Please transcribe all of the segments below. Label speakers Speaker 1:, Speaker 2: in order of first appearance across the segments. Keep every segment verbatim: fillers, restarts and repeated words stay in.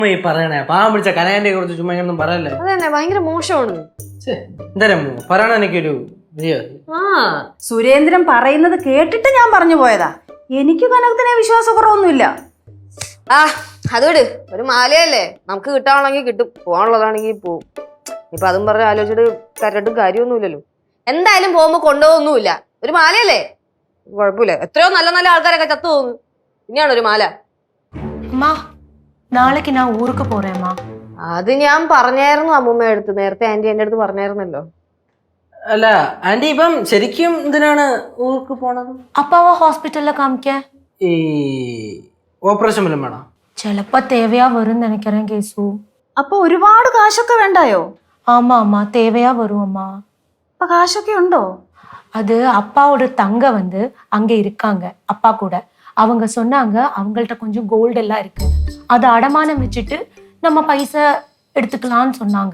Speaker 1: ഈ പറയണേ പാവം പിടിച്ച കനകന്റെ കുറിച്ച് ചുമ്മാ ഒന്നും പറയല്ലേ.
Speaker 2: അതന്നെ ഭയങ്കര മോശമാണ്.
Speaker 1: എന്തായാലും പറയണ എനിക്കൊരു
Speaker 3: ആ സുരേന്ദ്രൻ പറയുന്നത് കേട്ടിട്ട് ഞാൻ പറഞ്ഞു പോയതാ. എനിക്ക് കനകത്തിനെ വിശ്വാസക്കുറവൊന്നുമില്ല.
Speaker 2: ആ അതോട് ഒരു മാലയല്ലേ, നമുക്ക് കിട്ടാണെങ്കിൽ കിട്ടും, പോകാനുള്ളതാണെങ്കിൽ പോവും. ഇപ്പൊ അതും പറഞ്ഞ് ആലോചിച്ചിട്ട് കരട്ടും കാര്യമൊന്നുമില്ലല്ലോ. എന്തായാലും പോകുമ്പോ കൊണ്ടുപോകൊന്നുമില്ല, ഒരു മാലയല്ലേ, കുഴപ്പമില്ല. എത്രയോ നല്ല നല്ല ആൾക്കാരൊക്കെ ചത്തു പോകുന്നു, പിന്നെയാണ് ഒരു മാല.
Speaker 4: നാളേക്ക് ഞാൻ ഊർക്ക് പോറേമ്മാ.
Speaker 2: അത് ഞാൻ പറഞ്ഞായിരുന്നു അമ്മൂമ്മ അടുത്ത്, നേരത്തെ ആന്റി എന്റെ അടുത്ത് പറഞ്ഞായിരുന്നല്ലോ.
Speaker 1: അല്ല ആന്റി ഇപ്പം ശരിക്കും എന്തിനാണ് ഊർക്ക് പോണത്?
Speaker 4: അപ്പാവ ഹോസ്പിറ്റലിൽ കാണിക്കാൻ
Speaker 1: ഈ ഓപ്പറേഷൻ വല്ലതും വേണം?
Speaker 4: ചിലപ്പോ തേവയാ വരും നിனைக்கிறேன் കേസു.
Speaker 3: അപ്പൊ ഒരുപാട് കാശൊക്കെ വേണ്ടായോ?
Speaker 4: ஆமா அம்மா தேவையா வரும் அம்மா.
Speaker 3: അപ്പൊ കാശൊക്കെ ഉണ്ടോ?
Speaker 4: அது அப்பாவோட தங்க வந்து அங்க இருக்காங்க அப்பா கூட. அவங்க சொன்னாங்க அவங்கள்ட்ட கொஞ்சம் கோல்டு எல்லாம் இருக்கு, அதை அடமானம் வச்சுட்டு நம்ம பைசா எடுத்துக்கலாம்னு சொன்னாங்க.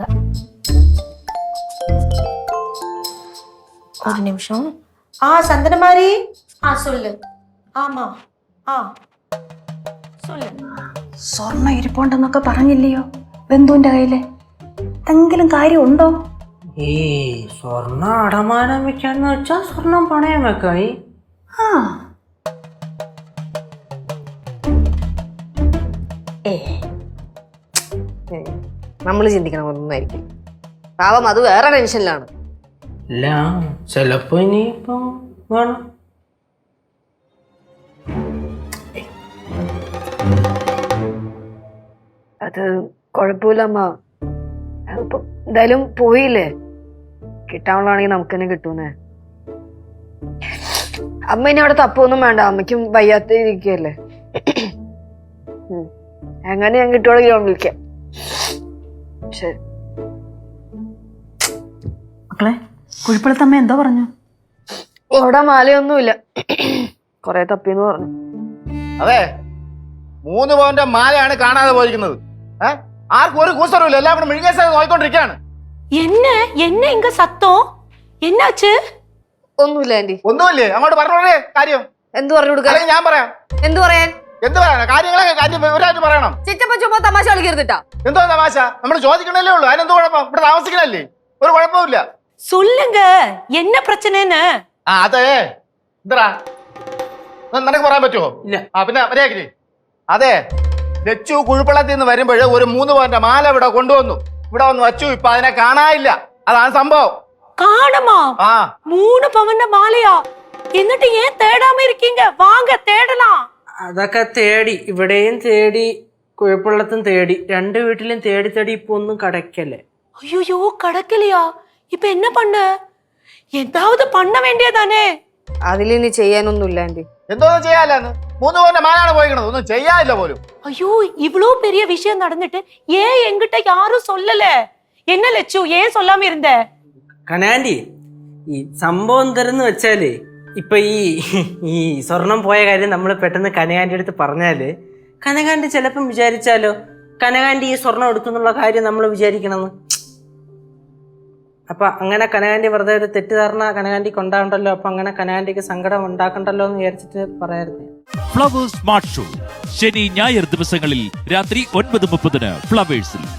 Speaker 4: ஒரு நிமிஷம். ஆ சந்தனமாரி, ஆ சொல்லு. ஆமா ആ சொல்லு.
Speaker 3: സ്വർണ്ണം ഇരിപ്പുണ്ടെന്നൊക്കെ പറഞ്ഞില്ലയോ ബന്ധുവിന്റെ കയ്യില്? എന്തെങ്കിലും കാര്യം ഉണ്ടോ?
Speaker 1: ഈ സ്വർണ്ണം അടമാനം വെക്കാന്ന് വെച്ചാ സ്വർണം പണയം വെക്കായി.
Speaker 3: ആ
Speaker 2: ഏ നമ്മള് ചിന്തിക്കണം ഒന്നായിരിക്കും. പാവം അത് വേറെ ടെൻഷനിലാണ്.
Speaker 1: അല്ല ചിലപ്പോ ഇനിയിപ്പം വേണം.
Speaker 2: അത് കുഴപ്പമില്ല അമ്മ, അതിപ്പോ എന്തായാലും പോയില്ലേ, കിട്ടാനുള്ളതാണെങ്കിൽ നമുക്ക് തന്നെ കിട്ടൂന്നേ. അമ്മ ഇനി അവിടെ തപ്പൊന്നും വേണ്ട, അമ്മയ്ക്കും വയ്യാത്ത ഇരിക്കല്ലേ. എങ്ങനെ ഞാൻ കിട്ടുവാണെങ്കിൽ ഞാൻ വിളിക്കാം. ശരി
Speaker 3: മക്കളെ, കുഴിപ്പള്ളത്തമ്മ എന്തോ പറഞ്ഞു?
Speaker 2: അവിടെ മാലയൊന്നുമില്ല, കൊറേ തപ്പിന്ന് പറഞ്ഞു.
Speaker 5: അതെ, മൂന്ന് പവന്റെ മാലയാണ് കാണാതെ പോയിരിക്കുന്നത്. ഏഹ് ആർക്കും ഒരു കൂസറുമില്ല, എല്ലാം കൂടെ മിഴുകേസ നോക്കിക്കൊണ്ടിരിക്കുകയാണ്.
Speaker 4: என்ன என்ன இங்க சத்தம் என்னாச்சு?
Speaker 2: ഒന്നുമില്ല ആന്റി.
Speaker 5: ഒന്നുമില്ലേ? അങ്ങോട്ട് പറഞ്ഞോളേ കാര്യം.
Speaker 2: എന്ത് പറഞ്ഞു കൊടുക്കാൻ?
Speaker 5: ഞാൻ പറയാം.
Speaker 2: എന്ത് പറയാൻ?
Speaker 5: എന്ത് പറയാനാ? കാര്യങ്ങളൊക്കെ കാര്യം വിവരമായിട്ട് പറയണം.
Speaker 2: ചിറ്റപ്പ ചുമ്മാ തമാശ കളിക്കരുതിട്ടാ.
Speaker 5: എന്തോ തമാശ? നമ്മൾ ചോദിക്കണല്ലേ ഉള്ളൂ, അതിനെന്തോ കുഴപ്പം? ഇവിടെ താമസിക്കണല്ലേ, ഒരു കുഴപ്പമില്ല.
Speaker 4: சொல்லுங்க என்ன பிரச்சனைன்னு.
Speaker 5: ആ അതെ, എന്താ നിനക്ക് പറയാൻ പറ്റുമോ?
Speaker 1: ഇല്ല.
Speaker 5: ആ പിന്നെ മര്യാദക്ക്. അതെ, ലച്ചു കുഴിപ്പള്ളത്തിൽ നിന്ന് വരുമ്പോഴേ ഒരു മൂന്ന് പവന്റെ മാല ഇവിടെ കൊണ്ടുവന്നു, ഇവിടെ വന്ന് വച്ചു. ഇപ്പൊ അതിനെ കാണാനില്ല, അതാണ് സംഭവം.
Speaker 4: காணுமா?
Speaker 5: ആ
Speaker 4: மூணு பவன் மாலையா? എന്നിട്ട് ஏன் தேடாம இருக்கீங்க? வாங்க தேடலாம்.
Speaker 1: അതൊക്കെ തേടി, ഇവിടെയും തേടി കുഴപ്പമുള്ളത്തും തേടി, രണ്ട് വീട്ടിലും തേടി തേടി ഇപ്പൊ ഒന്നും കടക്കല്ലേ.
Speaker 4: ஐயோ கடக்கலையா? இப்ப என்ன பண்ண? ஏதாவது பண்ண வேண்டியதானே?
Speaker 2: അതിലിനി ചെയ്യാനൊന്നുമില്ല ആന്റി.
Speaker 5: എന്തോന്നും ചെയ്യാല്ലെന്ന്, മൂന്ന് പവന്റെ മാലാണ് പോയിക്കണത്, ഒന്നും ചെയ്യാനില്ല പോലും.
Speaker 4: ஐயோ இவ்ளோ பெரிய விஷயம் நடந்துட்டு ஏன் என்கிட்ட யாரும் சொல்லல? என்ன லட்சு ஏன் சொல்லாம இருந்த?
Speaker 1: കനാൻഡി, ഈ സംഭവം എന്തെന്ന് വെച്ചാല് ഇപ്പൊ ഈ ഈ സ്വർണം പോയ കാര്യം നമ്മൾ പെട്ടെന്ന് കനകാന്റെ അടുത്ത് പറഞ്ഞാല് കനകാന്റി ചിലപ്പം വിചാരിച്ചാലോ കനകാന്റി ഈ സ്വർണം എടുക്കുന്നുള്ള കാര്യം നമ്മൾ വിചാരിക്കണമെന്ന്. അപ്പൊ അങ്ങനെ കനകാന്റി വെറുതെ ഒരു തെറ്റിദ്ധാരണ കനകാന്റിക്ക് ഉണ്ടാകണ്ടല്ലോ, അപ്പൊ അങ്ങനെ കനകാന്റിക്ക് സങ്കടം ഉണ്ടാക്കണ്ടല്ലോ എന്ന് വിചാരിച്ചിട്ട് പറയായിരുന്നു.
Speaker 6: ഫ്ലവേഴ്സ് സ്മാർട്ട് ഷോ ശനി ഞായർ ദിവസങ്ങളിൽ രാത്രി ഒൻപത് മുപ്പതിന് ഫ്ലവേഴ്സിൽ.